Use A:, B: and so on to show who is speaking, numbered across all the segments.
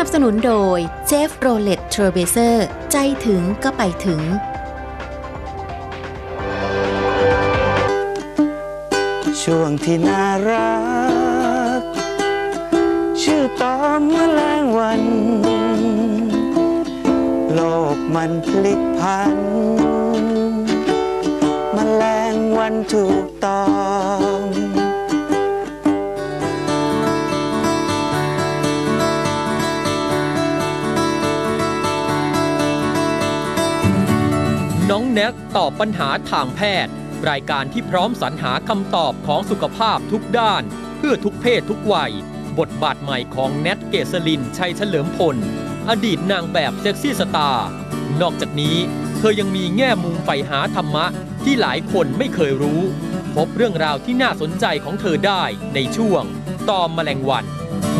A: สนุนโดยเชฟโรเลตเทรเบเซอร์ใจถึงก็ไปถึง
B: ช่วงที่น่ารักชื่อตอนแมลงวันโลกมันพลิกผันแมลงวันถูกต้อง
C: น้องแน็กตอบปัญหาทางแพทย์รายการที่พร้อมสรรหาคำตอบของสุขภาพทุกด้านเพื่อทุกเพศทุกวัยบทบาทใหม่ของแนทเกษรินชัยเฉลิมพลอดีตนางแบบเซ็กซี่สตาร์นอกจากนี้เธอยังมีแง่มุมใฝ่หาธรรมะที่หลายคนไม่เคยรู้พบเรื่องราวที่น่าสนใจของเธอได้ในช่วงตอมแมลงวัน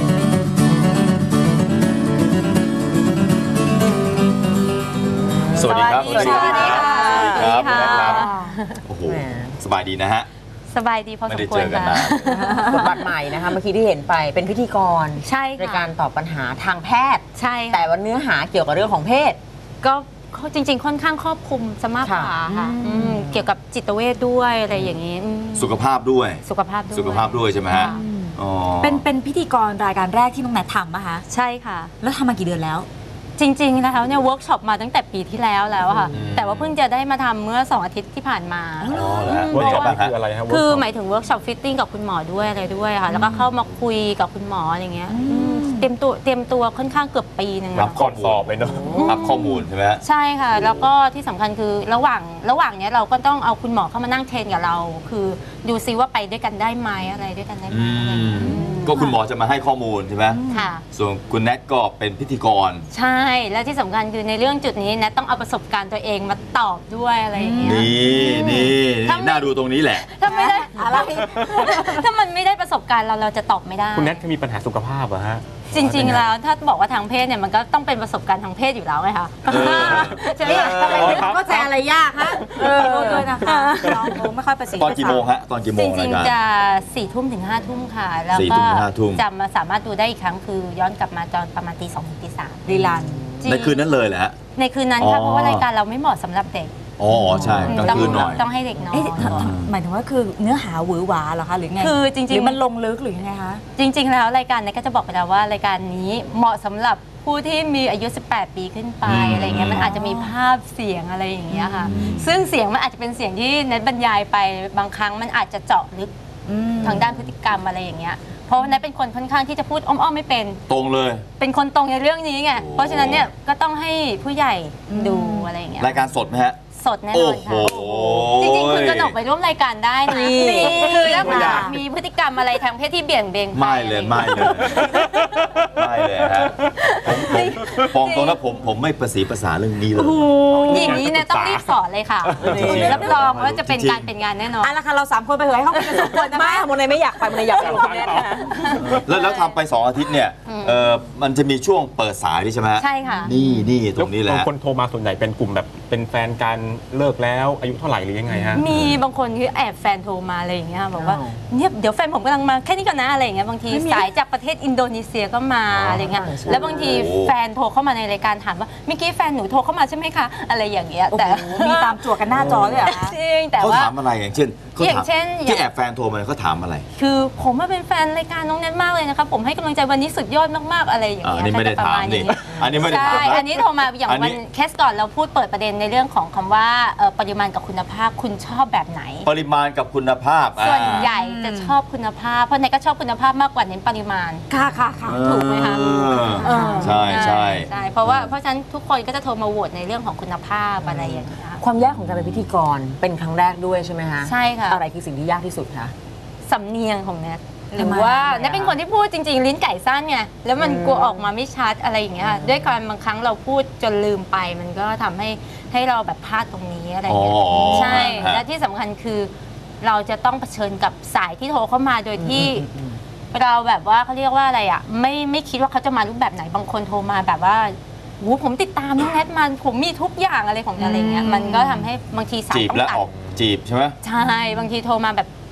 D: สวัสดีครับ
E: สวัสดี
D: ครับโอ้โหสบายดีนะฮะ
E: สบายดีพอสมควรค่ะ
F: บทบาทใหม่นะคะเมื่อกี้ที่เห็นไปเป็นพิธีกร
E: ใช่ค่ะ
F: ในการตอบปัญหาทางแพทย์
E: ใช่
F: แต่ว่าเนื้อหาเกี่ยวกับเรื่องของเพศ
E: ก็จริงๆค่อนข้างครอบคลุมซะมากกว่าค่ะเกี่ยวกับจิตเวชด้วยอะไรอย่างนี้
D: สุขภาพด้วย
E: สุขภาพ
D: ด้วยใช่ไหมฮะ
G: เป็นพิธีกรรายการแรกที่น้องแนททำป่ะคะ
E: ใช่ค่ะ
G: แล้วทำมากี่เดือนแล้ว
E: จริงๆแล้วเนี่ยเวิร์กช็อปมาตั้งแต่ปีที่แล้วค่ะแต่ว่าเพิ่งจะได้มาทำเมื่อ2 อาทิตย์ที่ผ่านมา
D: เวิร์กช็อปคืออะไรครับ
E: คือหมายถึงเวิร์กช็อปฟิตติ้งกับคุณหมอด้วยอะไรด้วยค่ะแล้วก็เข้ามาคุยกับคุณหมออย่างเงี้ยเตรียมตัวค่อนข้างเกือบปีนึง
D: รับก่อนสอบเลยเนาะรับข้อมูลใช่ไหม
E: ใช่ค่ะแล้วก็ที่สำคัญคือระหว่างเนี้ยเราก็ต้องเอาคุณหมอเข้ามานั่งเทรนกับเราคือดูซิว่าไปด้วยกันได้ไหมอะไรด้วยกันได้ไหม
D: ก็คุณหมอจะมาให้ข้อมูลใช่ไหม
E: ค่ะ
D: ส่วนคุณแนทก็เป็นพิธีกร
E: ใช่และที่สำคัญคือในเรื่องจุดนี้แนทต้องเอาประสบการณ์ตัวเองมาตอบด้วยอะไรอย่างเงี้ย
D: นี่น่าดูตรงนี้แหละ
E: ถ้าไม่ได้อะไรถ้ามันไม่ได้ประสบการณ์เราจะตอบไม่ได้
H: คุณแนทเคยมีปัญหาสุขภาพเหรอฮะ
E: จริงๆแล้วถ้าบอกว่าทางเพศเนี่ยมันก็ต้องเป็นประสบการณ์ทางเพศอยู่แล้วไงคะ
G: ใช่ไหมทำไมเข้าใจอะไรยากฮะด้วยนะคะน้องไม่ค่อยประสิทธิ์
D: ตอนกี่โมงฮะตอนกี่โมง
E: จริงๆจะ4 ทุ่มถึง5 ทุ่มค่ะแล้วก็จะมาสามารถดูได้อีกครั้งคือย้อนกลับมาตอนประมาณตี 2 ถึงตี 3
G: รีลัน
D: ในคืนนั้นเลยแหละ
E: ในคืนนั้นค่ะเพราะว่ารายการเราไม่เหมาะสำหรับเด็ก
D: อ๋อใช่กลางคืนหน่อย
E: ต้องให้เด็กนอน
G: หมายถึงว่าคือเนื้อหาหวือหวาเหรอคะหรือไง
E: คือจริงๆหรือ
G: มันลงลึกหรือยังไงคะ
E: จริงๆแล้วรายการนี้ก็จะบอกไปแล้วว่ารายการนี้เหมาะสำหรับผู้ที่มีอายุ18 ปีขึ้นไปอะไรเงี้ยมันอาจจะมีภาพเสียงอะไรอย่างเงี้ยค่ะซึ่งเสียงมันอาจจะเป็นเสียงที่เน็ตบรรยายไปบางครั้งมันอาจจะเจาะลึกทางด้านพฤติกรรมอะไรอย่างเงี้ยเพราะนั้นเป็นคนค่อนข้างที่จะพูดอ้อมๆไม่เป็น
D: ตรงเลย
E: เป็นคนตรงในเรื่องนี้ไงเพราะฉะนั้นเนี่ยก็ต้องให้ผู้ใหญ่ดูอะไรอย่างเงี้ย
D: รายการสดไหมฮะ
E: สดแน่นอนค่ะจริงๆคุณกนกไปร่วมรายการได้นะคือถ้ามีพฤติกรรมอะไรทางเพศที่เบี่ยงเบน
D: ไม่เลยฮะผมตรงนั้นผมไม่ประสีภาษาเรื่องนี้เลย
E: อย่างนี้เนี่ยต้องรีบสอนเลยค่ะรับรองว่าจะเป็นการเป็นงานแน่นอน
G: ละค่ะเรา3 คนไปเหยห้องกัน2 คนนะไม่โมเนไม่อยากไปโมเนอยากไปคุณแนทนะ
D: แล้วทำไป2 อาทิตย์เนี่ยมันจะมีช่วงเปิดสายใช่ไหม
E: ใช่ค่ะ
D: นี่ตรงนี้แหละ
H: คนโทรมาส่วนใหญ่เป็นกลุ่มแบบเป็นแฟนกันเลิกแล้วอายุเท่าไหร่หรือยังไงฮะ
E: มีบางคนคือแอบแฟนโทรมาอะไรอย่างเงี้ยบอกว่าเนี่ยเดี๋ยวแฟนผมกำลังมาแค่นี้ก่อนนะอะไรอย่างเงี้ยบางทีสายจากประเทศอินโดนีเซียก็มาอะไรเงี้ยแล้วบางทีแฟนโทรเข้ามาในรายการถามว่าเมื่อกี้แฟนหนูโทรเข้ามาใช่ไหมคะอะไรอย่างเงี้ยแต่
G: มีตามจั่วกันหน้าจอด้วยเหรอ
E: จริงแต่ว่า
D: เขาถามอะไรอย่างเช่นที่แอบแฟนโทรมาเขาถามอะไร
E: คือผมเป็นแฟนรายการน้องแนทมากเลยนะครับผมให้กำลังใจวันนี้สุดยอดมากๆอะไรอย่างเงี้ย
D: อันนี้ไม่ได้ถามนี่อันนี้ไม่ได้ถาม
E: อันนี้โทรมาอย่างวันเคสก่อนเราพูดเปิดประเด็นในเรื่องของคำว่าปริมาณกับคุณภาพคุณชอบแบบไหน
D: ปริมาณกับคุณภาพ
E: ส่วนใหญ่จะชอบคุณภาพเพราะในก็ชอบคุณภาพมากกว่าเน้นปริมาณ
G: ค่ะ
E: ถูกไหมคะ
D: ใช่
E: เพราะฉะนั้นทุกคนก็จะโทรมาโหวตในเรื่องของคุณภาพอะไรอย่างเงี้ย
F: ความยากของการเป็นพิธีกรเป็นครั้งแรกด้วยใช่ไหมคะ
E: ใช่ค่ะ
F: อะไรคือสิ่งที่ยากที่สุดคะ
E: สำเนียงของแนทหรือว่าแนทเป็นคนที่พูดจริงๆลิ้นไก่สั้นไงแล้วมันกลัวออกมาไม่ชัดอะไรอย่างเงี้ยด้วยการบางครั้งเราพูดจนลืมไปมันก็ทำให้เราแบบพลาดตรงนี้อะไรอย่างเงี้ยใช่และที่สำคัญคือเราจะต้องเผชิญกับสายที่โทรเข้ามาโดยที่เราแบบว่าเขาเรียกว่าอะไรอ่ะไม่คิดว่าเขาจะมารูปแบบไหนบางคนโทรมาแบบว่าผมติดตามน้องแนทมันผมมีทุกอย่างอะไรของอะไรเงี้ยมันก็ทำให้บางทีสายต้องตัดจีบ
D: ใช่ไหม
E: ใช่บางทีโทรมาแบบ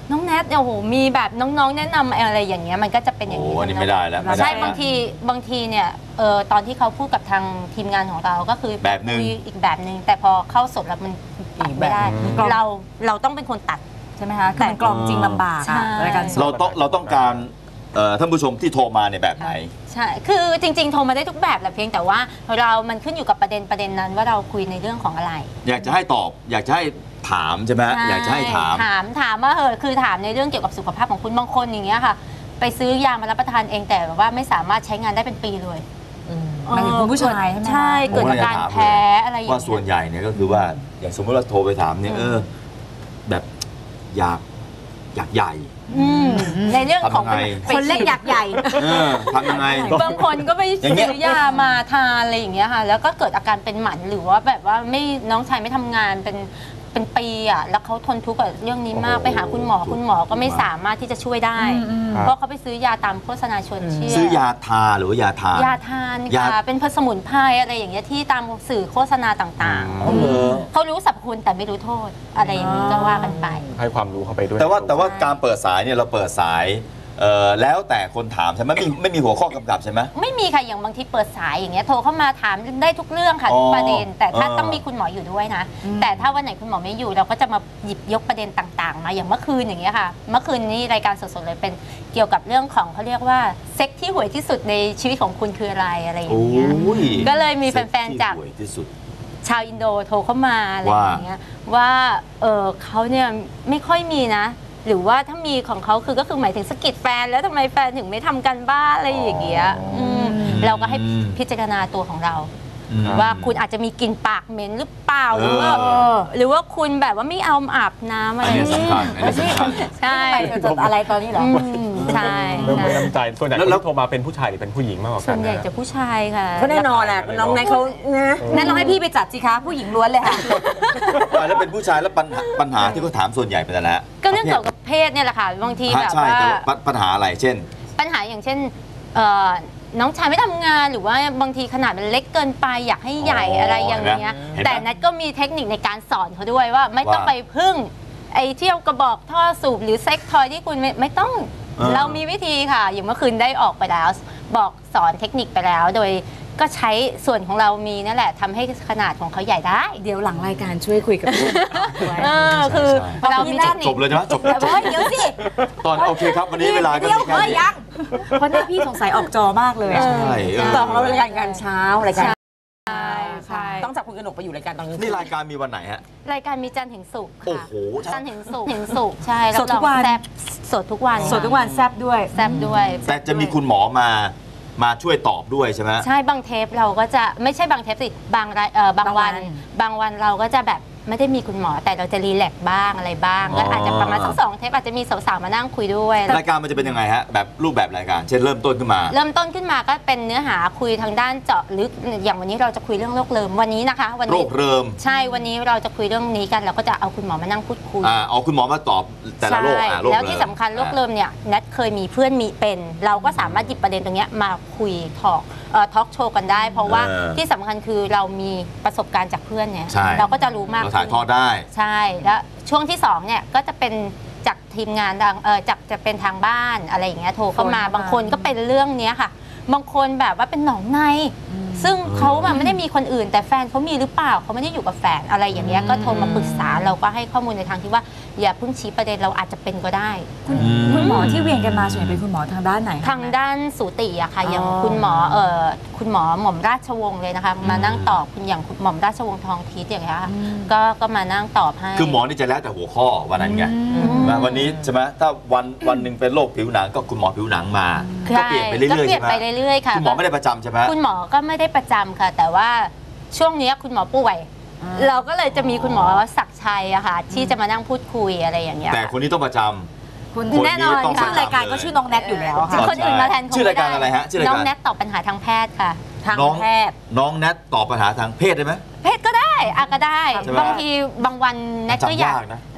E: น้องแนทโอ้โหมีแบบน้องๆแนะนำอะไรอย่างเงี้ยมันก็จะเป็นอย่างนี้
D: โอ้อันนี้ไม่ได้แล้วไม่ได้
E: ใช่
D: แล้ว
E: บางทีเนี่ยตอนที่เขาพูดกับทางทีมงานของเราก็คือ
D: แบบนึง
E: คุยอีกแบบนึงแต่พอเข้าสดแล้วมันตัดไม่ได้ เราต้องเป็นคนตัด
G: ใช่ไหมคะแต่กล่อมจริงลำบาก
E: ใช่
G: อะรายการสด
D: เราต้องการท่านผู้ชมที่โทรมาในแบบไหน
E: ใช่คือจริงๆโทรมาได้ทุกแบบแหละเพียงแต่ว่ามันขึ้นอยู่กับประเด็นนั้นว่าเราคุยในเรื่องของอะไร
D: อยากจะให้ตอบ อยากจะให้ถามใช่ไหมอยากจะให้ถาม
E: ถามว่าคือถามในเรื่องเกี่ยวกับสุขภาพของคุณบางคนอย่างเงี้ยค่ะ ไปซื้อยามารับประทานเองแต่ว่าไม่สามารถใช้งานได้เป็นปีเลย
G: หมายถึงคุณผู้ชายใช่ไหมคะ
E: ใช่เกิดอาการแพ้อะไรอย่าง
D: ว่า
E: เงี้ย
D: ส่วนใหญ่เนี่ยก็คือว่าอย่างสมมติเราโทรไปถามเนี่ยแบบอยากใหญ่
E: ในเรื่องของ
D: ทำยังไง
G: คนเล็กอยากใหญ่
D: ทำยังไง
E: บางคนก็ไป
D: อย่างเงี้
E: ซื้
D: ย
E: อยามาทานอะไรอย่างเงี้ยค่ะแล้วก็เกิดอาการเป็นหมันหรือว่าแบบว่าน้องชายไม่ทำงานเป็นปีอ่ะแล้วเขาทนทุกข์กับเรื่องนี้มาก
D: โอ้โห
E: ไปหาคุณหมอก็ไม่สามารถที่จะช่วยได้ เพราะเขาไปซื้อยาตามโฆษณาชวนเชื่อ
D: ซื้อยาทาหรือว่ายาทาน
E: ยาทานค่ะเป็นสมุนไพรอะไรอย่างเงี้ยที่ตามสื่อโฆษณาต่าง
D: อ๋อเหรอ
E: ๆเขารู้สรรพคุณแต่ไม่รู้โทษอะไรอย่างนี้ก็ว่ากันไป
H: ให้ความรู้เข้าไปด้วย
D: แต่ว่าการเปิดสายเนี่ยเราเปิดสายแล้วแต่คนถามใช่ไหมไม่มีหัวข้อกำกับใช่ไหม
E: ไม่มีค่ะอย่างบางทีเปิดสายอย่างเงี้ยโทรเข้ามาถามได้ทุกเรื่องค่ะทุกประเด็น แต่ถ้าต้องมีคุณหมออยู่ด้วยนะ แต่ถ้าวันไหนคุณหมอไม่อยู่เราก็จะมาหยิบยกประเด็นต่างๆมาอย่างเมื่อคืนอย่างเงี้ยค่ะเมื่อคืนนี้รายการสดๆเลยเป็นเกี่ยวกับเรื่องของเขาเรียกว่าเซ็กที่ห่วยที่สุดในชีวิตของคุณคืออะไรอย่างเงี้ยก็เลยมีแฟนๆจาก
D: ที่ห่วยที่สุด
E: ชาวอินโดโทรเข้ามาอะไรอย่างเงี้ยว่าเขาเนี่ยไม่ค่อยมีนะ หรือว่าถ้ามีของเขาก็คือหมายถึงสะกิดแฟนแล้วทำไมแฟนถึงไม่ทำกันบ้านอะไรอย่างเงี้ยเราก็ให้พิจารณาตัวของเรา ว่าคุณอาจจะมีกลิ่นปากเหม็นหรือเปล่าหรือว่าคุณแบบว่าไม่เอาอาบน้ำอะไร
D: อันนี้สำคัญอันนี้สำคัญ
E: ใช่
G: จดอะไรตอนนี้เหรอ
E: ใช่
H: เริ่มไม่น้ำใจส่วนใหญ่คนที่โทรมาเป็นผู้ชายหรือเป็นผู้หญิงมากกว่า
E: ส่
H: กั
E: วน นใหญ่
H: นะ
E: จะผู้ชายค่ะ
G: ก็แน่นอนแหละน้องแนทเขานะนั่นเราให้พี่ไปจัดสิคะผู้หญิงล้วนเลยค่ะ
D: แล้วเป็นผู้ชายแล้วปัญหาที่เขาถามส่วนใหญ่เป็นอะไรฮะ
E: ก็เรื่องเกี่ยวกับเพศเนี่ยแหละค่ะบางทีแบบ
D: ใช่
E: ว่า
D: แต่ว่าปัญหาอะไรเช่น
E: ปัญหาอย่างเช่นน้องชายไม่ทำงานหรือว่าบางทีขนาดมันเล็กเกินไปอยากให้ใหญ่อะไรอย่างเงี้ย
D: เห็นไหม
E: แต่นัทก็มีเทคนิคในการสอนเขาด้วยว่าไม่ต้องไปพึ่งไอ้เที่ยวกระบอกท่อสูบหรือเซ็กทอยที่คุณไม่ต้องเรามีวิธีค่ะอย่างเมื่อคืนได้ออกไปแล้วบอกสอนเทคนิคไปแล้วโดยก็ใช้ส่วนของเรามีนั่นแหละทำให้ขนาดของเขาใหญ่ได้
G: เดี๋ยวหลังรายการช่วยคุยกับพี่
E: คือเรามีเทคนิค
D: จบเลยใช่ไหมจบ
G: แต่ว่าเดี๋ยวสิ
D: ตอนโอเคครับวันนี้เวลาก็
G: เดี๋ยว
D: มีแค่
G: เฮ้ย
D: นี้
G: ยังเพราะนี่พี่สงสัยออกจอมากเลย
D: ใช่
G: ต่อของเราเป็นรายการเช้ารายการ
E: ใช่
G: ต้องจับคุณกนกไปอยู่รายการตอนกลางคืน
D: นี่รายการมีวันไหนฮะ
E: รายการมีจันทร์ถึงศุกร์
D: โอ้
E: ค่ะ
D: โห
E: จันทร์ถึงศุกร์ใช่
G: สดทุกวัน
E: แซ่บสดทุกวัน
G: สดทุกวันแซบด้วย
E: แซ่บด้วย
D: แต่จะมีคุณหมอมาช่วยตอบด้วยใช่ไหม
E: ใช่บางเทปเราก็จะไม่ใช่บางเทปสิบางวันเราก็จะแบบไม่ได้มีคุณหมอแต่เราจะรีแลกซ์บ้างอะไรบ้างก็อาจจะประมาณสัก2 เทปอาจจะมีสาวๆมานั่งคุยด้วย
D: รายการมันจะเป็นยังไงฮะแบบรูปแบบรายการเช่นเริ่มต้นขึ้นมา
E: เริ่มต้นขึ้นมาก็เป็นเนื้อหาคุยทางด้านเจาะลึกอย่างวันนี้เราจะคุยเรื่องโรคเริมวันนี้นะคะวัน
D: โร
E: นี้
D: คเริม
E: ใช่วันนี้เราจะคุยเรื่องนี้กันเราก็จะเอาคุณหมอมานั่งพูดคุย
D: เอาคุณหมอมาตอบแต่ละโรค
E: ใช่
D: โรค
E: แล้วที่สำคัญโรคเริมเนี่ยแนทเคยมีเพื่อนมีเป็นเราก็สามารถหยิบประเด็นตรงเนี้ยมาคุยทอล์กโชว์กันได้ เพราะว่าที่สำคัญคือเรามีประสบการณ์จากเพื่อนเนี่ย
D: ใช่
E: เราก็จะรู้มาก
D: เราถ่ายทอดได้
E: ใช่แล้วช่วงที่2เนี่ยก็จะเป็นจากทีมงานจากจะเป็นทางบ้านอะไรอย่างเงี้ยโทรเข้ามาบางคนก็เป็นเรื่องเนี้ยค่ะ บางคนแบบว่าเป็นหนองในซึ่งเขาแบบไม่ได้มีคนอื่น แต่แฟนเขามีหรือเปล่าเขาไม่ได้อยู่กับแฟนอะไรอย่างเงี้ยก็โทรมาปรึกษาเราก็ให้ข้อมูลในทางที่ว่าอย่าเพิ่งชี้ประเด็นเราอาจจะเป็นก็ได้
G: คุณหมอที่เวียนกันมาส่วนใหญ่เป็นคุณหมอทางด้านไหนคะ
E: ทางด้านสูติอะค่ะอย่างคุณหมอหม่อมราชวงศ์เลยนะคะมานั่งตอบคุณอย่างหม่อมราชวงศ์ทองทิศอย่างเงี้ยค่ะก็มานั่งตอบให้
D: คือหมอนี่จะแล้วแต่หัวข้อวันนั้นไงวันนี้ใช่ไหมถ้าวันหนึ่งเป็นโรคผิวหนังก็คุณหมอผิวหนังมาก็เปลี่ยนไปเรื่อยๆ
E: ก็เปลี่
D: ใช่
E: ยน
D: ไหม
E: ไปเรื่อยๆค่ะ
D: คุณหมอไม่ได้ประจำใช่ไหม
E: คุณหมอก็ไม่ได้ประจำค่ะ แต่ว่าช่วงนี้คุณหมอป่วยเราก็เลยจะมีคุณหมอศักดิ์ชัยอะค่ะที่จะมานั่งพูดคุยอะไรอย่างเงี้ย
D: แต่คนนี้ต้องประจำ
G: คุณ
E: แน่นอน
D: ต้อง
E: ค่ะ
G: ชื่อรายการก็ชื่อน้องแนทอยู่แล้วค่ะ
E: คนอื่นมาแทนคง
D: ชื่อรายการอะไรฮะชื่อรายการ
E: น้องแนทตอบปัญหาทางแพทย์ค่ะ
G: ทาง
D: น้อง
G: แพทย์
D: น้องแนทตอบปัญหาทางเพศได้ไหม
E: เพศก็ได้ก็ได้
D: ใช่ไหม
E: บางทีบางวันแนทก็
D: จำ
E: อยาก
D: นะ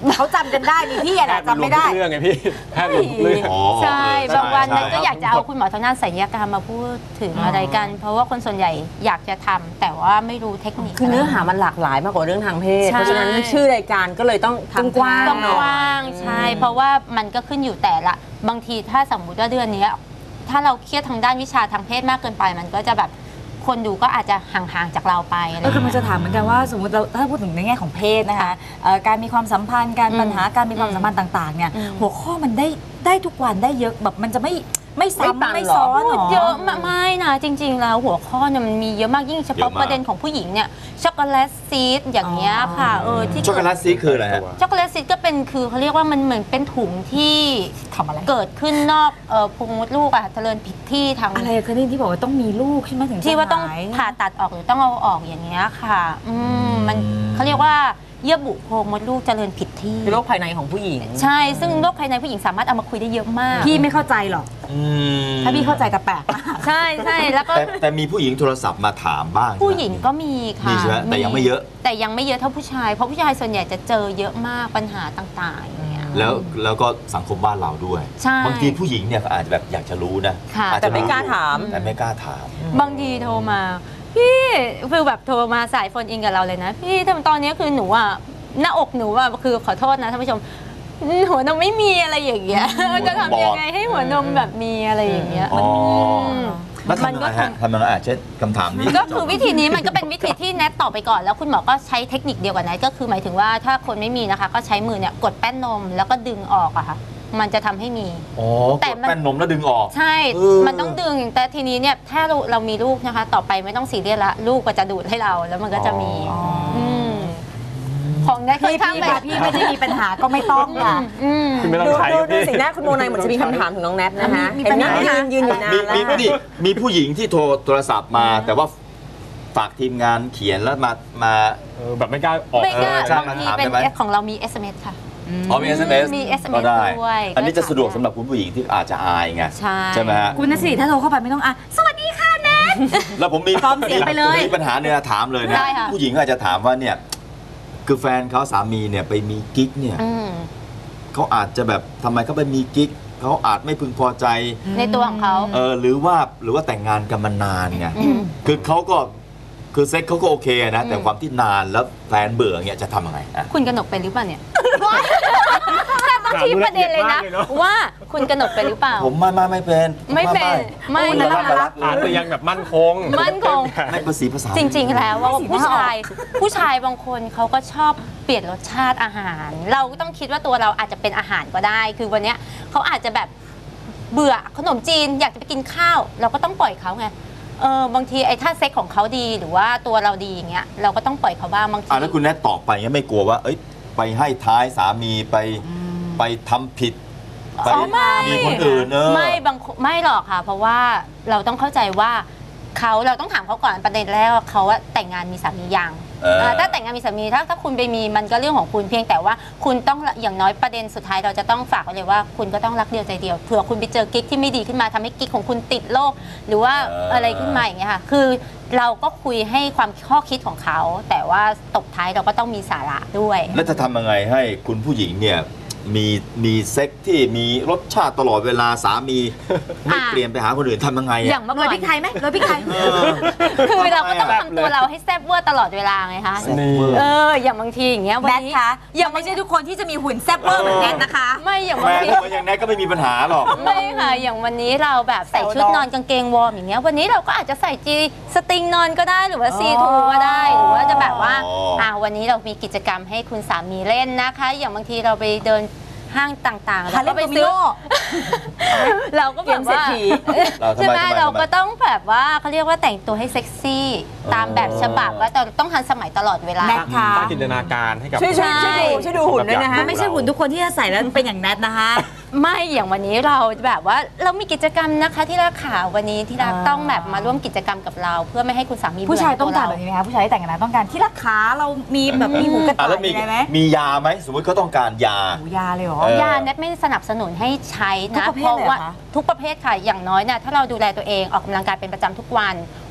G: เขาจำกันได้นี่พี่อะ
H: แพ
G: นะ
H: ทย์
G: จำไม่ได้
H: เรื่องไงพี่แพทย์รวมทุกเรื่อง
D: อ๋อ
E: ใช่บางวันนั้นก็อยากจะเอา
D: ใช่
E: คุณหมอทางด้านศัลยกรรมมาพูดถึงอะไรกัน เพราะว่าคนส่วนใหญ่อยากจะทำแต่ว่าไม่รู้เทคนิค
F: คือเนื้อหามันหลากหลายมากกว่าเรื่องทางเพศ
E: ใช่
F: เพราะฉะนั้นชื่อรายการก็เลยต้องกว้าง
E: ต้อง
F: หน่
E: ก
F: อย
E: ว้างใช่ เพราะว่ามันก็ขึ้นอยู่แต่ละบางทีถ้าสมมุติว่าเดือนนี้ถ้าเราเครียดทางด้านวิชาทางเพศมากเกินไปมันก็จะแบบคนดูก็อาจจะห่างๆจากเราไปอะไรอย่าง
I: คือ
E: เงี้ย
I: มันจะถามเหมือนกันว่าสมมติเราถ้าพูดถึงในแง่ของเพศนะคะการมีความสัมพันธ์การปัญหาการมีความสัมพันธ์ต่างๆเนี่ยหัวข้อมันได้ทุกวันได้เยอะแบบมันจะไม่ซ้ำไม่ซ้อนหรอ
E: เยอะมากไม่นะจริง ๆ แล้วหัวข้อเนี่ยมันมีเยอะมากยิ่งเฉพาะประเด็นของผู้หญิงเนี่ยช็อกโกแลตซีดอย่างเงี้ยค่ะที่
D: ช็อกโกแลตซีคืออะไรฮะ
E: ช็อกโกแลตซีดก็เป็นคือเขาเรียกว่ามันเหมือนเป็นถุงที่ทำอะไรเกิดขึ้นนอกพุงมดลูกอะเจริญผิดที่ทาง
I: อะไรคะนี่ที่บอกว่าต้องมีลูกใช่ไหมถึงจะ
E: ที่ว่าต้อง
I: หย
E: ผ่าตัดออกหรือต้องเอาออกอย่างเงี้ยค่ะมันเขาเรียกว่าเยื่อบุโพรงมดลูกเจริญผิดที่
F: คือโรคภายในของผู้หญิง
E: ใช่ซึ่งโรคภายในผู้หญิงสามารถเอามาคุยได้เยอะมาก
I: พี่ไม่เข้าใจหรอกถ้าพี่เข้าใจแต่แปลก
E: ใช่แล้วก็
D: แต่มีผู้หญิงโทรศัพท์มาถามบ้าง
E: ผู้หญิงก็มีค่ะ
D: มีใช่ไหมแต่ยังไม่เยอะ
E: แต่ยังไม่เยอะเท่าผู้ชายเพราะผู้ชายส่วนใหญ่จะเจอเยอะมากปัญหาต่างๆอย่างเงี้ย
D: แล้วก็สังคมบ้านเราด้วย
E: ใช่
D: บางทีผู้หญิงเนี่ยก็อาจจะแบบอยากจะรู้นะ
E: ค่ะ
D: อาจจะ
F: แต่ไม่กล้าถาม
D: แต่ไม่กล้าถาม
E: บางทีโทรมาพี่คือแบบโทรมาสายโฟนอินกับเราเลยนะพี่ทำตอนนี้คือหนูอ่ะหน้าอกหนูอ่ะคือขอโทษนะท่านผู้ชมหัวนมไม่มีอะไรอย่างเงี้ยจะทำยังไงให้หัวนมแบบมีอะไรอย่างเงี้ย
D: อ๋อ แล้ว
E: มัน
D: ทำยัง
E: ก็
D: ไงฮะทำยังไงเช่นคำถามนี้
E: ก็คือวิธีนี้มันก็เป็นวิธีที่แนทตอบไปก่อนแล้วคุณหมอก็ใช้เทคนิคเดียวกับแนทก็คือหมายถึงว่าถ้าคนไม่มีนะคะก็ใช้มือเนี่ยกดแป้นนมแล้วก็ดึงออกอะค่ะมันจะทำให้มี
D: อ๋อ
E: แต่
D: กด
E: มัน
D: แป้นนมแล้วดึงออก
E: ใช่ มันต้องดึงแต่ทีนี้เนี่ยถ้าเรามีลูกนะคะ ต่อไปไม่ต้องซีเรียสละลูกก็จะดูดให้เราแล้วมันก็จะมีมของแนทค่อนข้างแบบ
I: พี่ไม่ได้มีปัญหาก็ไม่ต้องค่ะ
H: คุณไม่ต้องใช้
F: ดู
H: พี่
F: สีหน้าคุณโมนายเหมือนจะมีคำถามถึงน้องแนทนะคะ
I: มี
F: เห็น
I: ปัญหา
F: ยืนอยู่นานแล้ว
D: มีผู้หญิงที่โทรศัพท์มา แต่ว่าฝากทีมงานเขียนแล้วมา
H: แบบไม่กล้าออก
E: ไม่กล้า
D: ใช่
E: บางที
D: ถาม
E: เป็น
D: ได้ไหม
E: ของเรามี SMS ค่ะ
D: อ๋อมี SMS
E: มี SMS
D: ก็ได้
E: ด้วย
D: อันนี้จะ
E: ก็ถาม
D: สะดวกสำหรับคุณผู้หญิงที่อาจจะอายไง
E: ใช่
D: ไหมฮะ
I: คุณนสิริถ้าโทรเข้าไปไม่ต้องสวัสดีค่ะแนท
D: แล้วผมมี
I: พร้อมเสียงไปเลย
D: มีปัญหาเนี่ยถามเลยนะ
E: ได้ค่ะ
D: ผู้หญิงอาจจะถามว่าเนี่ยคือแฟนเขาสามีเนี่ยไปมีกิ๊กเนี่ย เขาอาจจะแบบทำไมเขาไปมีกิ๊กเขาอาจไม่พึงพอใจ
E: ในตัวของเขา
D: หรือว่าแต่งงานกันมานานไงคือเขาก็คือเซ็กเขาก็โอเคนะแต่ความที่นานแล้วแฟนเบื่อเงี้ยจะทำยังไงอ่ะ
E: คุณกนกเป็นหรือเปล่าเนี่ยต้องชี้ประเด็นเลยนะ ว่าคุณกนกเป็นหรือเปล่า
D: ผมไม่เป็น
E: ไม่เป็นไม่
D: ไม่
E: นะ
D: รัก
H: อาจจะยังแบบมั่นคง
E: มั่นคง
D: ไม่ภาษีภาษา
E: จริงๆ แล้วว่าผู้ชายบางคนเขาก็ชอบเปลี่ยนรสชาติอาหาร เราก็ต้องคิดว่าตัวเราอาจจะเป็นอาหารก็ได้ คือวันเนี้ยเขาอาจจะแบบเบื่อขนมจีนอยากจะไปกินข้าว เราก็ต้องปล่อยเขาไงบางทีไอ้ถ้าเซ็กของเขาดีหรือว่าตัวเราดีอย่างเงี้ยเราก็ต้องปล่อยเขาบ้างบางที
D: แล้วคุณแนทตอบไปเงี้ยไม่กลัวว่าเอ้ยไปให้ท้ายสามีไปทำผิดไปมีคนอื่น
E: ไม่หรอกค่ะ เพราะว่าเราต้องเข้าใจว่าเราต้องถามเขาก่อนประเด็นแรกว่าเขาแต่งงานมีสามียังถ้าแต่งงานมีสามีถ้าคุณไปมีมันก็เรื่องของคุณเพียงแต่ว่าคุณต้องอย่างน้อยประเด็นสุดท้ายเราจะต้องฝากไว้เลยว่าคุณก็ต้องรักเดียวใจเดียวเผื่อคุณไปเจอกิ๊กที่ไม่ดีขึ้นมาทำให้กิ๊กของคุณติดโรคหรือว่าอะไรขึ้นมาอย่างเงี้ยค่ะคือเราก็คุยให้ความข้อคิดของเขาแต่ว่าตบท้ายเราก็ต้องมีสาระด้วย
D: แล้วจะทำยังไงให้คุณผู้หญิงเนี่ยมีเซ็กที่มีรสชาติตลอดเวลาสามีไม่เปลี่ยนไปหาคนอื่นทำยังไง
E: อย่างเมื่อ
I: โร
E: ก่
I: ย
E: อน
I: พริกไทยไหมโรยพริกไทย
E: คือเราก็ต้องทำตัวเราให้แซ่บเวอร์ตลอดเวลาไงคะ อย่างบางทีอย่างเงี้ยวัน
I: แนท
E: นี้
I: คะยังไม่ใช่ทุกคนที่จะมีหุ่นแซ่บเวอร์เหมือนแนทนะคะ
E: ไม่อย่าง
D: แม่
E: บางที
D: ถ้าอย่างแนทก็ไม่มีปัญหาหรอก
E: ไม่ค่ะอย่างวันนี้เราแบบใส่ชุดนอนกางเกงวอร์มอย่างเงี้ยวันนี้เราก็อาจจะใส่จีสตริงนอนก็ได้หรือว่าซีทูก็ได้หรือว่าจะแบบว่าวันนี้เรามีกิจกรรมให้คุณสามีเล่นนะคะ อย่างบางทีเราไปเดินห้างต่างๆแล้วก็ไปซื้อเราก็แบบว่าใช่ไหมเราก็ต้องแบบว่าเขาเรียกว่าแต่งตัวให้เซ็กซี่ตามแบบฉบับว่าต้องทันสมัยตลอดเวลา
I: แนทค่ะ
H: สร้างจินตนาการให้กับ
F: ช่วยดูหุ่นด้วยนะคะ
I: ไม่ใช่หุ่นทุกคนที่จะใส่แล้วเป็นอย่างแนทนะคะ
E: ไม่อย่างวันนี้เราแบบว่าเรามีกิจกรรมนะคะที่รักขาวันนี้ที่รักต้องแบบมาร่วมกิจกรรมกับเรา เพื่อไม่ให้คุณสามี
I: ผู้ชายต้องการ
E: เ
I: แบบนี้ไหมคะผู้ชายที่แต่งงานต้องการที่รักขาเรามีแบบมีหูกระต่าย
D: แล้ว
I: อะไรไหม
D: มียาไหมสมมติเขาต้องการยา
I: หูยาเลยเหรอ
E: ยาเน็ตไม่สนับสนุนให้ใช้นะ
I: ทุกประเภท
E: เพราะ
I: เลยเหรอ
E: ว่า
I: คะ
E: ทุกประเภทค่ะอย่างน้อยเนี่ยถ้าเราดูแลตัวเองออกกำลังกายเป็นประจำทุกวัน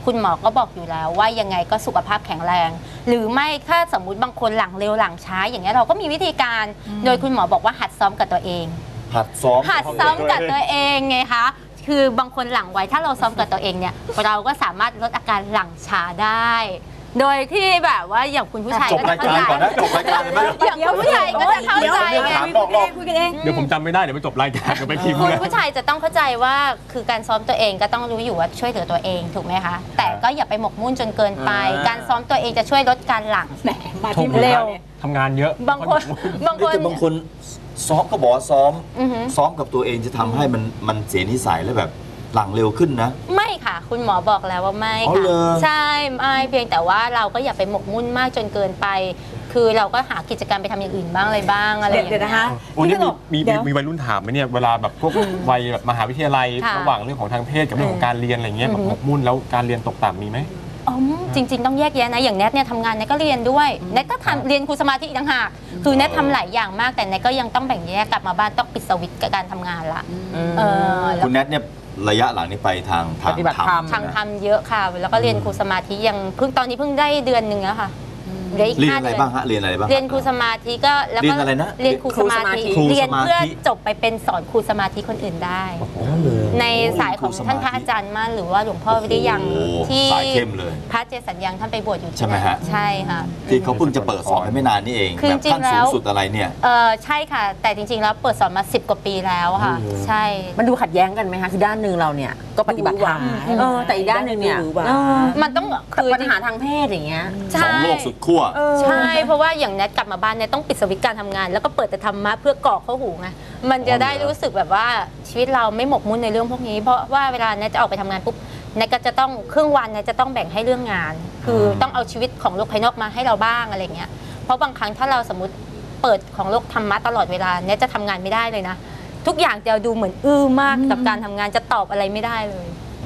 E: คุณหมอก็บอกอยู่แล้วว่ายังไงก็สุขภาพแข็งแรง หรือไม่ถ้าสมมุติบางคนหลังเร็วหลังช้าอย่างเงี้ยเราก็มีวิธีการโดยคุณหมอบอกว่าหัดซ้อมกับตัวเอง
D: หัดซ้อม
E: กับตัวเองไงคะคือบางคนหลังไวถ้าเราซ้อมกับตัวเองเนี่ยเราก็สามารถลดอาการหลังช้าได้ โดยที่แบบว่าอย่างคุณผู้ชายก็จะเข้าใจ
D: จบรายการเลยไหม
E: อย่างคุณผู้ชายก็จะเข้าใจไง
G: คุยกันเอง
H: เดี๋ยวผมจำไม่ได้เดี๋ยวไปจบรายการกันไปพิมพ์
E: คุณผู้ชายจะต้องเข้าใจว่าคือการซ้อมตัวเองก็ต้องรู้อยู่ว่าช่วยเหลือตัวเองถูกไหมคะแต่ก็อย่าไปหมกมุ่นจนเกินไปการซ้อมตัวเองจะช่วยลดการหลัง
G: มาที่เร็ว
H: ทำงานเยอะ
E: บางคน
D: ซ้อมก็บอกซ้อมกับตัวเองจะทำให้มันเสียนิสัยแล้วแบบหลังเร็วขึ้นนะ
E: ไม่ค่ะคุณหมอบอกแล้วว่าไม่ค่ะใช่ไม่เพียงแต่ว่าเราก็อย่าไปหมกมุ่นมากจนเกินไปคือเราก็หากิจกรรมไปทำอย่างอื่นบ้างอะไรบ้างอะไรอย่างเงี้ยนะคะ
H: วันนี้มีวัยรุ่นถามไหมเนี่ยเวลาแบบพวกวัยแบบมหาวิทยาลัยระหว่างเรื่องของทางเพศกับเรื่องของการเรียนอะไรเงี้ยแบบหมกมุ่นแล้วการเรียนตกต่ำมีไหม
E: จริงๆต้องแยกแยะนะอย่างแนทเนี่ยทำงานแนทก็เรียนด้วยแนทก็ทำเรียนครูสมาธิอีกต่างหากคือแนททำหลายอย่างมากแต่แนทก็ยังต้องแบ่งแยกกลับมาบ้านต้องปิดสวิตช์กับการทำงานละ
D: คุณแนทเนี่ยระยะหลังนี้ไปทางธร
E: รมเยอะค่ะแล้วก็เรียนครูสมาธิยังตอนนี้เพิ่งได้เดือนหนึ่งแล้วค่ะ
D: เรียนอะไรบ้างฮะเรียนอะไรบ้าง
E: เรียนครูสมาธิก็แล้วก็เรียนครูสมาธิเรียนเพื่อจบไปเป็นสอนครูสมาธิคนอื่นได้ในสายของท่านพระอาจารย์มั่นหรือว่าหลวงพ่อวิริยังที่พระเจสัญญังท่านไปบวชอยู่
D: ใช่ไหมฮะ
E: ใช่ค่ะ
D: ที่เขาเพิ่งจะเปิดสอนไม่นานนี่เองแบบขั้นสูงสุดอะไรเนี่ย
E: ใช่ค่ะแต่จริงๆแล้วเปิดสอนมา10 กว่าปีแล้วค่ะใช่
F: มันดูขัดแย้งกันไหมคะคือด้านหนึ่งเราเนี่ยก็ปฏิบัติธรรมแต่อีกด้านหนึ่งเนี่ย
E: มันต้อง
F: คือปัญหาทางเพศอย่างเงี้ย
D: สองโลกสุดขั้ว
E: ใช่เพราะว่าอย่างแนทกลับมาบ้านเนี่ยต้องปิดสวิตช์การทำงานแล้วก็เปิดแต่ธรรมะเพื่อกรอกเข้าหูไงมันจะได้รู้สึกแบบว่าชีวิตเราไม่หมกมุ่นในเรื่องพวกนี้เพราะว่าเวลาแนทจะออกไปทำงานปุ๊บแนทก็จะต้องครึ่งวันแนทจะต้องแบ่งให้เรื่องงานคือต้องเอาชีวิตของโลกภายนอกมาให้เราบ้างอะไรเงี้ยเพราะบางครั้งถ้าเราสมมติเปิดของโลกธรรมะตลอดเวลาแนทจะทำงานไม่ได้เลยนะทุกอย่างจะดูเหมือนมากกับการทำงานจะตอบอะไรไม่ได้เลย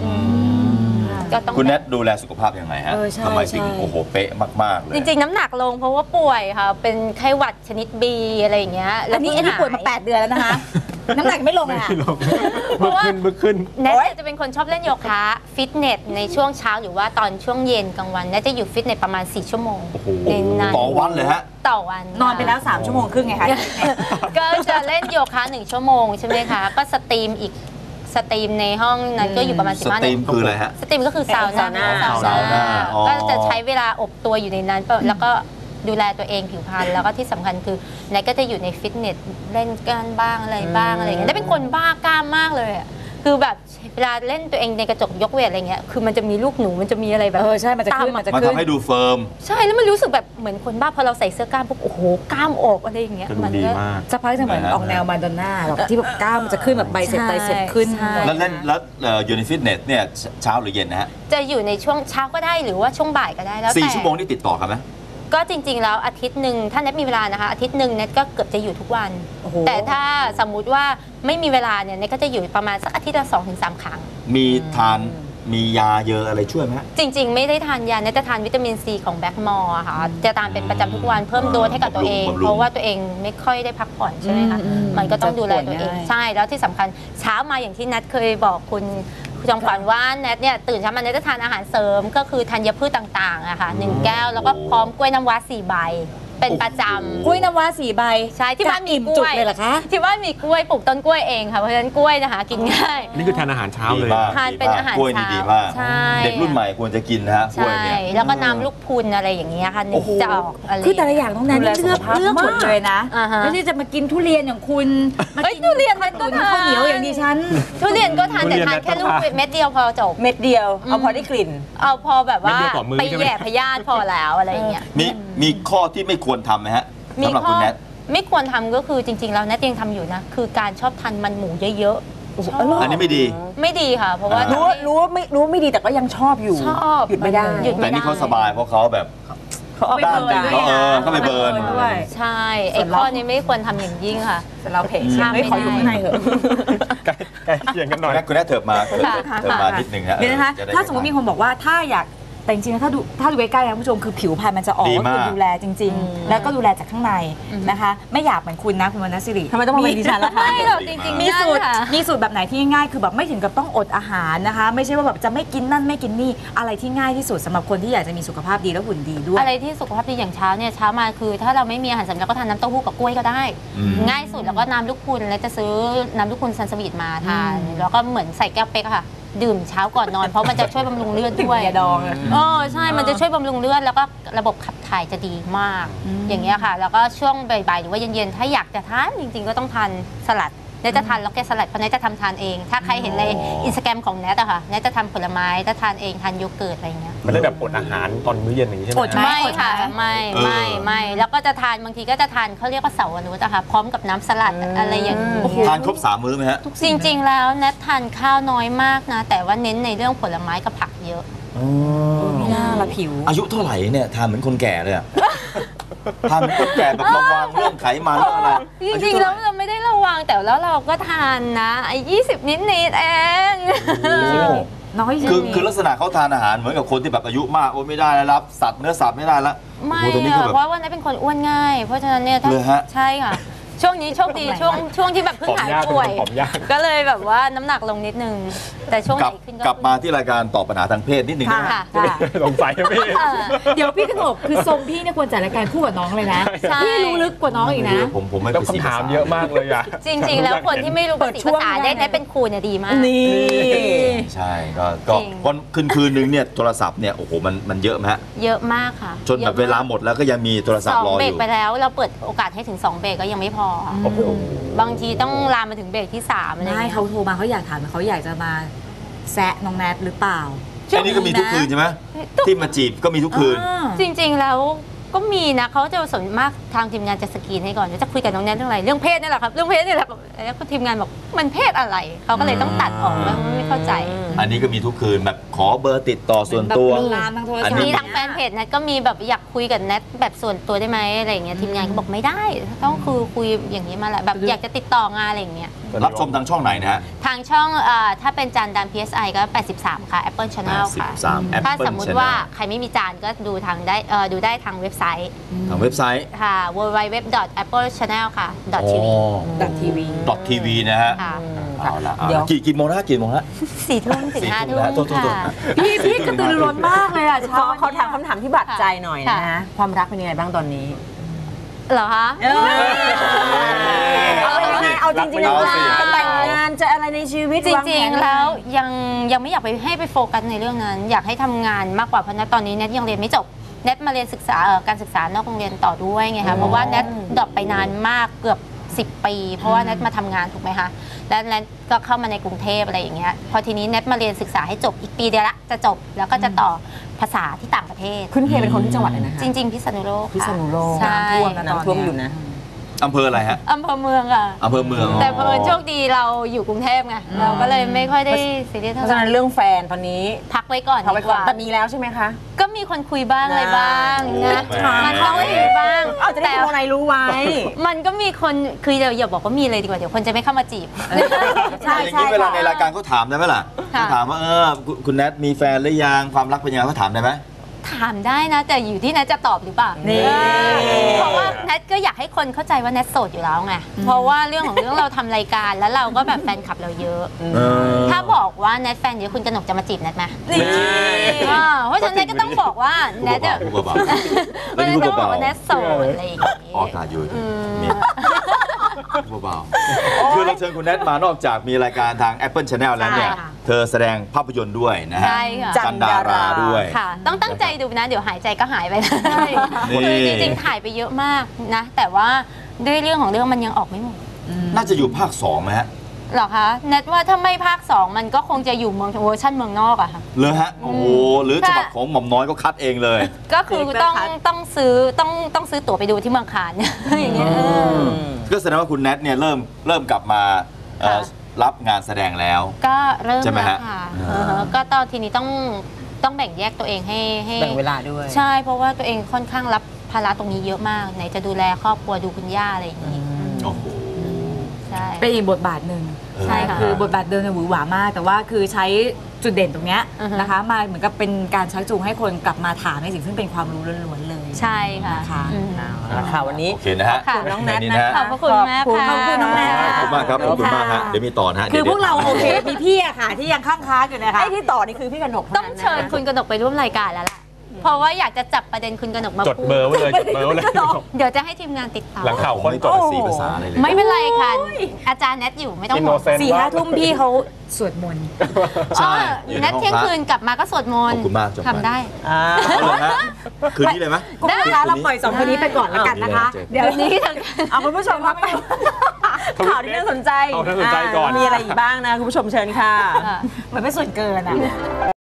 D: คุณแนทดูแลสุขภาพยังไงฮะทำไมถึงโอ้โหเป๊ะมากๆเลย
E: จริงๆน้ำหนักลงเพราะว่าป่วยค่ะเป็นไข้หวัดชนิด B อะไรอย่างเงี้ย
G: อันนี้ป่วยมา8 เดือนแล้วนะคะน้ำหนักไม่ลงค่ะ
E: เพราะว่าแนทจะเป็นคนชอบเล่นโยคะฟิตเนสในช่วงเช้าหรือว่าตอนช่วงเย็นกลางวันแนทจะอยู่ฟิตเนสประมาณ4 ชั่วโมง
D: ต่อวันเลยฮะ
E: ต่อวัน
G: นอนไปแล้ว3 ชั่วโมงครึ่งไงคะ
E: ก็จะเล่นโยคะ1 ชั่วโมงใช่ไหมคะก็สตรีมอีกสตรีมในห้องนั้นก็อยู่ประมาณ15 นาที
D: สตรีมคืออะไรฮะ
E: สตรีมก็คือซาวน่าก็จะใช้เวลาอบตัวอยู่ในนั้นแล้วก็ดูแลตัวเองผิวพรรณแล้วก็ที่สำคัญคือไหนก็จะอยู่ในฟิตเนสเล่นกันบ้างอะไรบ้างอะไรอย่างเงี้ยได้เป็นคนบ้ากล้ามมากเลยคือแบบเวลาเล่นตัวเองในกระจกยกเวทอะไรเงี้ยคือมันจะมีลูกหนูมันจะมีอะไรแบบ
G: ใช่มันจะขึ้น
D: มันทำให้ดูเฟิร์ม
E: ใช่แล้วมันรู้สึกแบบเหมือนคนบ้าพอเราใส่เสื้อกล้ามปุ๊บโอ้โหกล้ามออกอะไรอย่างเงี้ย
H: มันก็
G: จะพักจะเหมือนออกแนวมาดอนน่าแบบที่แบบกล้ามมันจะขึ้นแบบไบเซ็ปขึ้น
D: แล้วเล่นแล้วอยู่ในฟิตเนสเนี่ยเช้าหรือเย็นนะฮะ
E: จะอยู่ในช่วงเช้าก็ได้หรือว่าช่วงบ่ายก็ได้แล้ว
D: 4 ชั่วโมงนี่ติดต่อกันไหม
E: ก็จริงๆแล้วอาทิตย์หนึ่งถ้าเน็ตมีเวลานะคะอาทิตย์หนึ่งเน็ตก็เกือบจะอยู่ทุกวันแต่ถ้าสมมุติว่าไม่มีเวลาเนี่ยเน็ตก็จะอยู่ประมาณสักอาทิตย์ละ2-3 ครั้ง
D: มีทานมียาเยอะอะไรช่วยไหม
E: จริงๆไม่ได้ทานยาเน็ตจะทานวิตามินซีของแบล็กมอร์ค่ะจะทานเป็นประจำทุกวันเพิ่มโดสให้กับตัวเองเพราะว่าตัวเองไม่ค่อยได้พักผ่อนใช่ไหมคะมันก็ต้องดูแลตัวเองใช่แล้วที่สำคัญเช้ามาอย่างที่เน็ตเคยบอกคุณจอมขวัญว่าแนทเนี่ยตื่นเช้ามาแนทจะทานอาหารเสริมก็คือธัญพืชต่างๆอะค่ะ1 แก้วแล้วก็พร้อมกล้วยน้ำว้า4 ใบเป็นประจำ
G: กล้วยน้ำว้า4 ใบ
E: ใช่ที่บ้านมีกล้วย
G: เลยเหรอคะ
E: ที่บ้านมีกล้วยปลูกต้นกล้วยเองค่ะเพราะฉะนั้นกล้วยนะคะกินง่าย
H: นี่คือทานอาหารเช้าเลย
E: ทานเป็นอาหารเช้า
D: ดีมากเด็กรุ่นใหม่ควรจะกินนะฮะกล้วยเนี่ย
E: แล้วก็น้ำลูกพุนอะไรอย่างเงี้ยค่ะนึกจะออกอะไร
G: คือแต่ละอย่างต้องนั้นเลือกหมดเลยนะไม่ใช่จะมากินทุเรียนอย่างคุณ
E: มากินทุเรียนมันก็
G: ทานข้าวเหนียวอย่างดิฉัน
E: ทุเรียนก็ทานแต่ทานแค่ลูกเม็ดเดียวพอจบ
F: เม็ดเดียวเอาพอได้กลิ่น
E: เอาพอแบบว่าไปแย่พยาธิพอแล้วอะไรอย่างเงี้ย
D: มีข้อที่ไม่ควรทำไหมฮะ
E: มีข้อไม่ควรทำก็คือจริงๆแล้วแนทยังทำอยู่นะคือการชอบทานมันหมูเยอะ
D: ๆอันนี้ไม่ดี
E: ค่ะเพราะว่า
F: รู้ไม่ดีแต่ก็ยังชอบอยู่หยุดไม่ได้
D: แต่นี่เขาสบายเพราะเขาแบบ
G: เขาไปเบิร์น
D: เขาไปเบิร์น
E: ใช่ไอ้ข้อนี้ไม่ควรทำอย่างยิ่งค่ะ
G: แต่เราเพจไม่ขออยู่ข้างในเหรอ
H: ใกล้เคียงกันหน่อย
D: คุณแม่เถิบมานิดนึงฮะ
G: เดี๋ยวนะคะถ้าสมมติมีคนบอกว่าถ้าอยาก
I: แต่จริงๆถ้าดูใกล้ๆนะคุณผู้ชมคือผิวพรรณมันจะออกก็คือดูแลจริง ๆ แล้วก็ดูแลจากข้างในนะคะ ไม่อยากเหมือนคุณนะคุณวรรณศิริทำไมต้องมาเป็นดิฉันล่ะคะ
E: ไม่หรอกจริงๆ
I: มีสูตร
E: ค่ะ
I: มีสูตรแบบไหนที่ง่ายคือแบบไม่ถึงกับต้องอดอาหารนะคะ ไม่ใช่ว่าแบบจะไม่กินนั่นไม่กินนี่อะไรที่ง่ายที่สุดสำหรับคนที่อยากจะมีสุขภาพดีและหุ่นดีด้วย
E: อะไรที่สุขภาพดีอย่างเช้าเนี่ยเช้ามาคือถ้าเราไม่มีอาหารเสริมเราก็ทานน้ำเต้าหู้กับกล้วยก็ได้ ง่ายสุดแล้วก็น้ำลูกคุณแล้วจะซื้อน้ำลูกคุณซันสวีทมาทานแล้วก็เหมือนใส่แก้วเป๊กอะค่ะดื่มเช้าก่อนนอนเพราะมันจะช่วยบำรุงเลือดด้วย
I: ยาดอง
E: ใช่มันจะช่วยบำรุงเลือดแล้วก็ระบบขับถ่ายจะดีมาก อย่างเงี้ยค่ะแล้วก็ช่วงบ่ายๆหรือว่าเย็นๆถ้าอยากจะทานจริงๆก็ต้องทานสลัดเนทจะทานล็อกเก็ตสลัดเพราะเนทจะทานเองถ้าใครเห็นในอินสตาแกรมของเนทอะค่ะเนทจะทำผลไม้จะทานเองทานโยเกิร์ตอะไรอย่างเงี้ย
H: มันได้แบบอดอาหารตอนมื้อเย็นอย่างนี้ใช่ไหม
E: ไม่ค่ะไม่แล้วก็จะทานบางทีก็จะทานเขาเรียกว่าเสาร์อนุชนะคะพร้อมกับน้ำสลัดอะไรอย่างนี้
D: ทานครบ3 มื้อไหมฮะ
E: จริงๆแล้วเนททานข้าวน้อยมากนะแต่ว่าเน้นในเรื่องผลไม้กับผักเยอะ
I: ไม่น่าละผิว
D: อายุเท่าไหร่เนี่ยทานเหมือนคนแก่เลยอะ ทานเหมือนคนแก่แบบระวังเรื่องไขมันเรื่องอะไร
E: จริงๆแล้วเราไม่ได้ระวังแต่แล้วเราก็ทานนะไอ้20 นิดเอง
I: น้อย
D: คือลักษณะเขาทานอาหารเหมือนกับคนที่แบบอายุมากโอ้ไม่ได้แล้วรับสัตว์เนื้อสัตว์ไม่ได้แล้ว
E: ไม่
D: โอ้โหตอนนี้ก็แบบ
E: เพราะว่าเนทเป็นคนอ้วนง่าย เพราะฉะนั้นเนี่ยถ้า
D: เลยฮะ
E: ใช่ค่ะช่วงนี้โชคดีช่วงที่แบบเพิ่งหายป่วย
H: ผอมยาก
E: ก็เลยแบบว่าน้ำหนักลงนิดนึงแต่ช่วงไหนขึ้น
D: กลับมาที่รายการตอบปัญหาทางเพศนิดนึงนะ
E: ค่ะ
H: สงสัยนะพี่
I: เดี๋ยวพี่ขนบคือทรงพี่เนี่ยควรจัดรายการคู่กับน้องเลยนะ
E: ใช่
I: พี่รู้ลึกกว่าน้องอีกนะ
D: ผมไม่
H: แล้ว
D: ไปสี
H: คำถามเยอะมากเลยอะ
E: จริงๆ แล้วคนที่ไม่รู้ภาษีภาษาได้เป็นครูเนี่ยดีมาก
I: นี่
D: ใช่ก็
E: จริง
D: วันคืนนึงเนี่ยโทรศัพท์เนี่ยโอ้โหมันเยอะไหมฮะ
E: เยอะมากค่ะ
D: จนแบบเวลาหมดแล้วก็ยังมีโทรศัพท์รอ
E: 2 เบร
D: อก ยู่
E: ไปแล้วเราเปิดโอกาสให้ถึง 2 เบรกก็ยังไม่พอ
D: โอ้โห
E: บางทีต้องลามมาถึงเบรกที่3อะไรอย่าง
I: ไม่
E: เงี้ย
I: เขาโทรมาเขาอยากถามเขาอยากจะมาแซะน้องแนทหรือเปล่า
D: อันนี้ก็มีทุกคืนใช่ไหมที่มาจีบก็มีทุกคืน
E: จริงๆ แล้วก็มีนะเขาจะส่วนมากทางทีมงานจะสกรีนให้ก่อนจะคุยกับน้องแนทเรื่องอะไรเรื่องเพศนี่แหละครับเรื่องเพศนี่แหละแล้วก็ทีมงานบอกมันเพศอะไรเขาก็เลยต้องตัดออกไม่เข้าใจ
D: อันนี้ก็มีทุกคืนแบบขอเบอร์ติดต่อส่วนตัว
I: ลามทางโทรศัพท์
D: อันนี้
E: มีทางแฟนเพจแนทก็มีแบบอยากคุยกับแนทแบบส่วนตัวได้ไหมอะไรอย่างเงี้ยทีมงานก็บอกไม่ได้ต้องคือคุยอย่างนี้มาแหละแบบอยากจะติดต่องานอะไรอย่างเงี้ย
D: รับชมทางช่องไหนนะฮะ
E: ทางช่องถ้าเป็นจานดาน PSI ก็ 83 ค่ะ Apple Channel ค่ะ
D: 83 Apple
E: ถ้าสมมุติ
D: Channel
E: ว่าใครไม่มีจานก็ดูทางได้ทางเว็บไซต์
D: ทางเว็บไซต์
E: ค่ะ www.applechannel ค่ะ .tv
D: .tv นะฮะ
E: ค่ะ
D: เอาละ
F: เดี๋ยว
D: กี่โมงนะกี่โมงฮะ
E: 4 ทุ่มถึง 5 ทุ่ม
D: โทษ
E: ค่ะ
I: พี่กระตือรือร้นมากเลยอ่ะ
F: เขาถามคำถามที่บาดใจหน่อยนะความรักเป็นยังไงบ้างตอนนี้
E: เหรอคะ
F: เอาจริงๆแล้วจะแต่งงานจะอะไรในชีวิต
E: จ
F: วา
E: ริง
F: ผน
E: ๆ แล้วยังไม่อยากไปโฟกัสในเรื่องนั้น อยากให้ทำงานมากกว่าเพราะณตอนนี้แนทยังเรียนไม่จบแนทมาเรียนศึกษาการศึกษานอกโรงเรียนต่อด้วยไงคะเพราะว่าแนทดรอปไปนานมากเกือบ10 ปี เพราะว่าแนทมาทำงานถูกไหมคะแล้วแนทก็เข้ามาในกรุงเทพอะไรอย่างเงี้ยพอทีนี้แนทมาเรียนศึกษาให้จบอีกปีเดียวละจะจบแล้วก็จะต่อภาษาที่ต่างประเทศ
F: คุณเคเป็นคนที่จังหวัดอะไรนะคะ
E: จริง ๆ พิษณุโลกค่ะ
F: พิษณุโลก
E: ใช่
F: น้ำท่วมอยู่นะ
D: อำเภออะไรฮะ
E: อำเภอเมืองค่ะ
D: อำเภอเมือง
E: แต่เพิ่นโชคดีเราอยู่กรุงเทพไงเราก็เลยไม่ค่อยได้ซีเรียส
F: เพ
E: เท่า
F: ราะ
E: ไห
F: ฉะ
E: ร่
F: นั้นเรื่องแฟนตอนนี้
E: พักไว้ก่อน
F: เขาไป
E: ดีก
F: ก่อน
E: ว่า
F: แต่มีแล้วใช่ไหมคะ
E: ก็มีคนคุยบ้างอะไรบ้างนะมันต้องมีบ้าง
F: เอาจะได้คนไหนรู้ไว้
E: มันก็มีคนคืออย่าบอกว่ามีเลยดีกว่าเดี๋ยวคนจะไม่เข้ามาจีบ
F: ใช่
D: อย่าง
F: ใช่
D: นี้เวลาในรายการเขาถามได้ไหมล่ะ
E: ค่ะ
D: เขาถามว่าคุณแนทมีแฟนหรือยังความรักเป็นยังไงเขาถามได้ไหม
E: ถามได้นะแต่อยู่ที่แนทจะตอบหรือเปล่า
F: นี่
E: เพราะว่าแนทก็อยากให้คนเข้าใจว่าแนทโสดอยู่แล้วไงเพราะว่าเรื่องของเรื่องเราทำรายการแล้วเราก็แบบแฟนคลับเราเยอะ ถ้าบอกว่าแนทแฟนเยอะคุณกนกจะมาจีบแนทไหมเพราะฉะนั้นแนทก็ต้องบอกว่าแนทจะ
D: พูดเบาๆ
E: แนทต้องบอกว่าแนทโสดอะไรอย่างงี้
D: ออกอากาศอยู่นี่เบาๆคือเราเชิญคุณแนทมานอกจากมีรายการทาง Apple Channel แล้วเนี่ย
E: ใช่ค่ะ
D: เธอแสดงภาพยนตร์ด้วยนะฮะ
E: ใช่ค่ะ
D: จันดาราด้วย
E: ค่ะ ต้องตั้งใจดูนะ เดี๋ยวหายใจก็หายไปเลย
D: นี่
E: คือจริงๆถ่ายไปเยอะมากนะ แต่ว่าด้วยเรื่องของเรื่องมันยังออกไม่หมด
D: น่าจะอยู่ภาค2ไหมฮะ
E: หรอคะแนทว่าถ้าไม่ภาค 2 มันก็คงจะอยู่เวอร์ชันเมืองนอกอะค่ะ
D: เลยฮะโอ้โหหรือฉบับของหม่อมน้อยก็คัดเองเลย
E: ก็คือต้องซื้อตั๋วไปดูที่เมืองคานอย่างเงี้ย
D: ก็แสดงว่าคุณแนทเนี่ยเริ่มกลับมารับงานแสดงแล้ว
E: ก็เริ่ม
D: ใช่ไหม
E: แล้ว
D: ฮะ
E: ค่ะก็ตอนทีนี้ต้องแบ่งแยกตัวเองให้
F: แบ่งเวลาด้วย
E: ใช่เพราะว่าตัวเองค่อนข้างรับภาระตรงนี้เยอะมากไหนจะดูแลครอบครัวดูคุณย่าอะไรอย่างนี้
D: โอ้โห
E: ใช่
I: เป็นอีกบทบาทหนึ่ง
E: ใช่ค่ะ
I: คือบทบาทเดิมเนี่ยหวือหวามาก แต่ว่าคือใช้จุดเด่นตรงเนี้ยนะคะมาเหมือนกับเป็นการชักจูงให้คนกลับมาถามในสิ่งซึ่งเป็นความรู้ล้วนๆเลย
E: ใช่ค่ะ
F: ค่ะค่ะวันนี้
D: โอเคนะฮะ
F: ขอบคุณน้องแนท
D: นี่
F: นะ
D: ฮะ
E: ขอบพระคุณมากค่ะ
I: ขอบคุณน้องแนท
D: ขอบคุณมากครับขอบคุณมากฮะเดี๋ยวมีต่อนะฮะ
I: คือพวกเราโอเคมีพี่อะค่ะที่ยังค้างๆอยู่นะคะ
F: ไอ้ที่ต่อนี่คือพี่กนก
E: ต้องเชิญคุณกนกไปร่วมรายการแล้วล่ะเพราะว่าอยากจะจับประเด็นคุณกนกมา
H: จด
E: พูด
H: เบอร์ไว้เลยจดเบอร์ไว้เลย
E: เดี๋ยวจะให้ทีมงานติดต่อ
H: หลังข่าว
D: ผม
H: คน
D: ไม่
H: จ
D: จ
H: ด
D: ดสีภาษาอะไรเลย
E: ไม่เป็นไรค่ะ อาจารย์แนทอยู่ไม่ต้องห่วง
H: Innocent
I: 4-5 ทุ่มพี่เขาสวดมนต์
D: ใช่
E: แนทเที่ยงคืนกลับมาก็สวดมนต์
D: ขอบคุณมากจบ
E: ทำได้
D: เอาเลยฮะคืนนี้เลยไหม
I: คุณผู้ชมคะเราปล่อย2คนนี้ไปก่อนแล้วกันนะคะ
E: เดี๋ยวนี้เถอะ
F: เอาคุณผู้ชมครับข่าวที่น่าสนใจ
H: เอาน่าสนใจก่อน
F: มีอะไรอีกบ้างนะคุณผู้ชมเชิญค่ะ
I: เหมือนเป็นส่วนเกินอะ